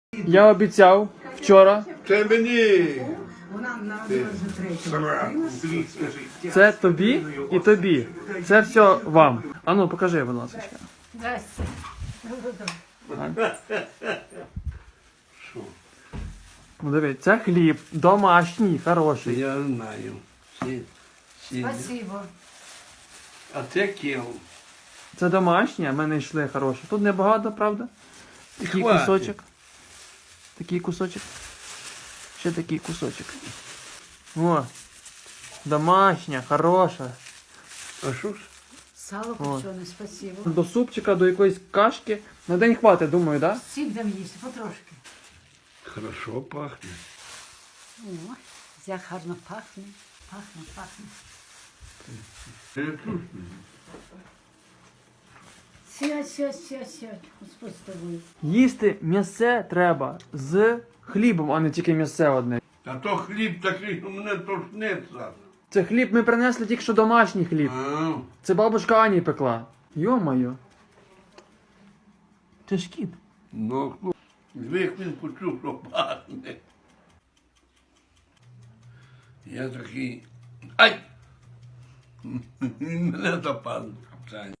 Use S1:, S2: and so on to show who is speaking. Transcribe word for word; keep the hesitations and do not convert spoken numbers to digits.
S1: Я обіцяв вчора.
S2: Це мені.
S3: Вона народилася вже третього.
S1: Це тобі і тобі. Це все вам. Ану, покажи, будь ласка.
S3: Здрасте.
S2: Що?
S1: Ну, дивись, це хліб домашній, хороший.
S2: Я знаю. Сі- сі-
S3: Спасибо.
S2: А це кіл.
S1: Це домашнє, в мене йшли хороші. Тут небагато, правда? Такий
S2: Хватить.
S1: кусочок. Такий кусочок. Ще такий кусочок. О, домашня, хороша.
S2: А що ж?
S3: Сало копчене, спасибо.
S1: До супчика, до якоїсь кашки. На день хватить, думаю, так? Да?
S3: Всі будемо їсти, потрошки.
S2: Хорошо пахне.
S3: О, як гарно пахне. Пахне, пахне. Сядь, сядь, сядь, сядь. Господь з тобою.
S1: Їсти м'ясе треба з хлібом, а не тільки м'ясе одне.
S2: А то хліб такий, що мене тошниться.
S1: Це хліб ми принесли тільки що домашній хліб.
S2: А,
S1: Це бабушка Ані пекла. Йо-моє. Це ж кіт.
S2: ну, хлоп. Звик він почув, що пахне. Я такий. Ай! Він мене запав.